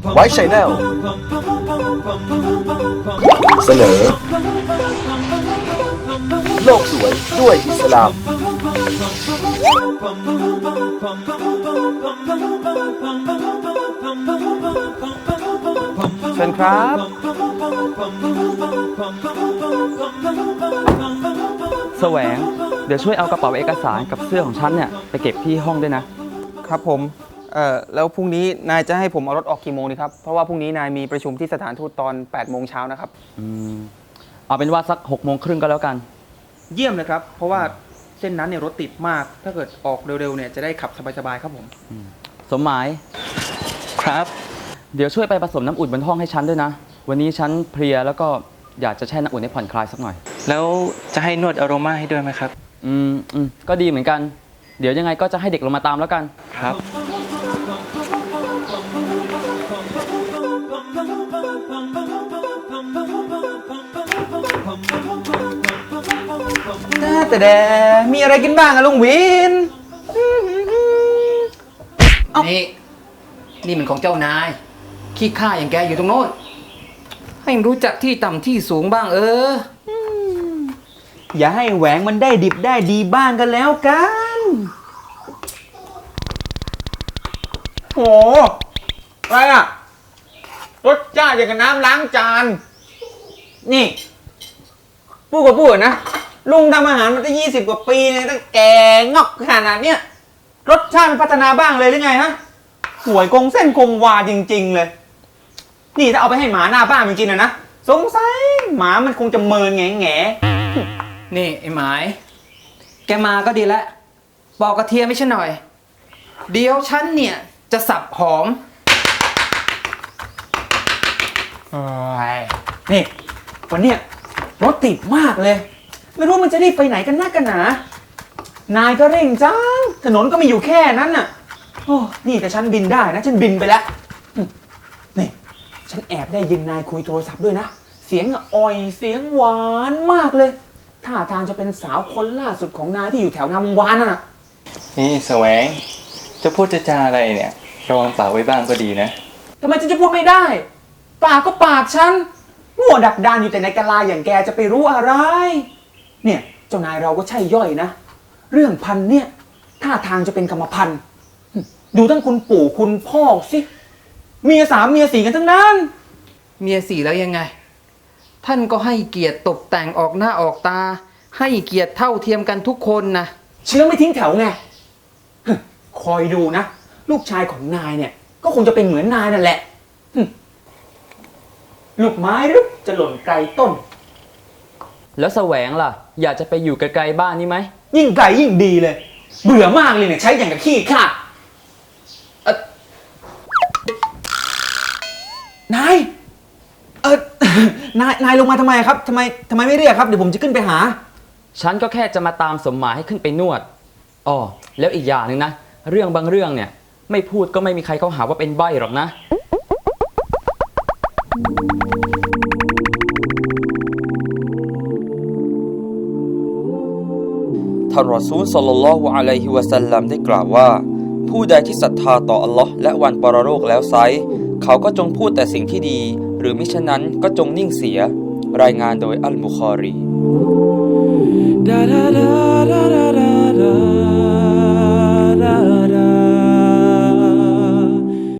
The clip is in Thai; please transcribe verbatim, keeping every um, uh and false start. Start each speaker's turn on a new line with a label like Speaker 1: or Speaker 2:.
Speaker 1: ไว้ชัยแนลเสนอโลกสวยด้วยอิสลามเชิญครับ
Speaker 2: แสวงเดี๋ยวช่วยเอากระเป๋าเอกสารกับเสื้อของฉันเนี่ยไปเก็บที่ห้องด้วยนะครับ
Speaker 3: ผมเอ่อแล้วพรุ่งนี้นายจะให้ผมเอารถออกกี่โมงดีครับเพราะว่าพรุ่งนี้นายมีประชุมที่สถานทูตตอนแปดโมงเช้านะครับ
Speaker 2: อืมเอาเป็นว่าสักหกโมงครึ่งก็แล้วกัน
Speaker 3: เยี่ยมเลยครับเพราะว่าเส้นนั้นเนี่ยรถติดมากถ้าเกิดออกเร็วๆเนี่ยจะได้ขับสบายๆครับผม
Speaker 2: สมหมายครับเดี๋ยวช่วยไปผสมน้ำอุ่นบนห้องให้ฉันด้วยนะวันนี้ฉันเพลียแล้วก็อยากจะแช่น้ำอุ่นให้ผ่อนคลายสักหน่อย
Speaker 4: แล้วจะให้นวดอโรมาให้ด้วยไหมครับ
Speaker 2: อืมอืมก็ดีเหมือนกันเดี๋ยวยังไงก็จะให้เด็กลงมาตามแล้วกัน
Speaker 4: ครับ
Speaker 3: แต่แต่มีอะไรกินบ้างอะลุงวิน
Speaker 5: นี่นี่มันของเจ้านายขี้ข้าอย่างแกอยู่ตรงโน้นให้รู้จักที่ต่ำที่สูงบ้างเออ
Speaker 3: อย่าให้แหวงมันได้ดิบได้ดีบ้างกันแล้วกันโหอะไรอะรสชาติอย่างกับน้ำล้างจานนี่พูดกับพูดนะลุงทำอาหารมาตั้งยี่สิบกว่าปีเนี่ยตั้งแก่งอกขนาดเนี้ยรสชาติมันพัฒนาบ้างเลยหรือไงฮะหวยคงเส้นคงวาจริงๆเลยนี่ถ้าเอาไปให้หมาหน้าบ้านจริงๆนะนะสงสัยหมามันคงจะเมินแง่แง่
Speaker 5: นี่ไอ้หมายแกมาก็ดีแล้วปอกกระเทียมไม่ใช่หน่อยเดี๋ยวฉันเนี่ยจะสับหอม
Speaker 3: นี่วันเนี้ยรถติดมากเลยไม่รู้มันจะรีบไปไหนกันนักกันหนานายก็เร่งจังถนนก็มีอยู่แค่นั้นน่ะโอ้นี่แต่ฉันบินได้นะฉันบินไปแล้วนี่ฉันแอบได้ยินนายคุยโทรศัพท์ด้วยนะเสียงอ่อยเสียงหวานมากเลยท่าทางจะเป็นสาวคนล่าสุดของนายที่อยู่แถวงามวงวานน่ะ
Speaker 4: นี่แสวงจะพูดจะจาอะไรเนี่ยระวังปากไว้บ้างก็ดีนะ
Speaker 3: ทำไมฉันจะพูดไม่ได้ปากก็ปากฉันมั่วดักดานอยู่แต่ในกะลาอย่างแกจะไปรู้อะไรเนี่ยเจ้านายเราก็ใช่ย่อยนะเรื่องพันเนี่ยท่าทางจะเป็นกรรมพันธุ์ดูทั้งคุณปู่คุณพ่อสิเมียสามเมียสี่กันทั้งนั้น
Speaker 5: เมียสี่แล้วยังไงท่านก็ให้เกียรติตกแต่งออกหน้าออกตาให้เกียรติเท่าเทียมกันทุกคนนะ
Speaker 3: เชื้อไม่ทิ้งแถวไงคอยดูนะลูกชายของนายเนี่ยก็คงจะเป็นเหมือนนายนั่นแหละลูกไม้หรือจะหล่นไกลต้น
Speaker 2: แล้วแสวงล่ะอยากจะไปอยู่ไกลๆบ้านนี่ไหม
Speaker 3: ยิ่งไกลยิ่งดีเลยเบื่อมากเลยเนี่ยใช้อย่างกับขี้ข้าเออนายเออนายนายลงมาทำไมครับทำไมทำไมไม่เรียกครับเดี๋ยวผมจะขึ้นไปหา
Speaker 2: ฉันก็แค่จะมาตามสมหมายให้ขึ้นไปนวดอ๋อแล้วอีกอย่างหนึ่งนะเรื่องบางเรื่องเนี่ยไม่พูดก็ไม่มีใครเขาหาว่าเป็นใบ้หรอกนะ
Speaker 6: ท่านรอซูลศ็อลลัลลอฮุอะลัยฮิวะซัลลัมได้กล่าวว่าผู้ใดที่ศรัทธาต่ออัลลอฮ์และวันปรโลกแล้วไซร้เขาก็จงพูดแต่สิ่งที่ดีหรือมิฉะนั้นก็จงนิ่งเสียรายงานโดยอัลบุคอรี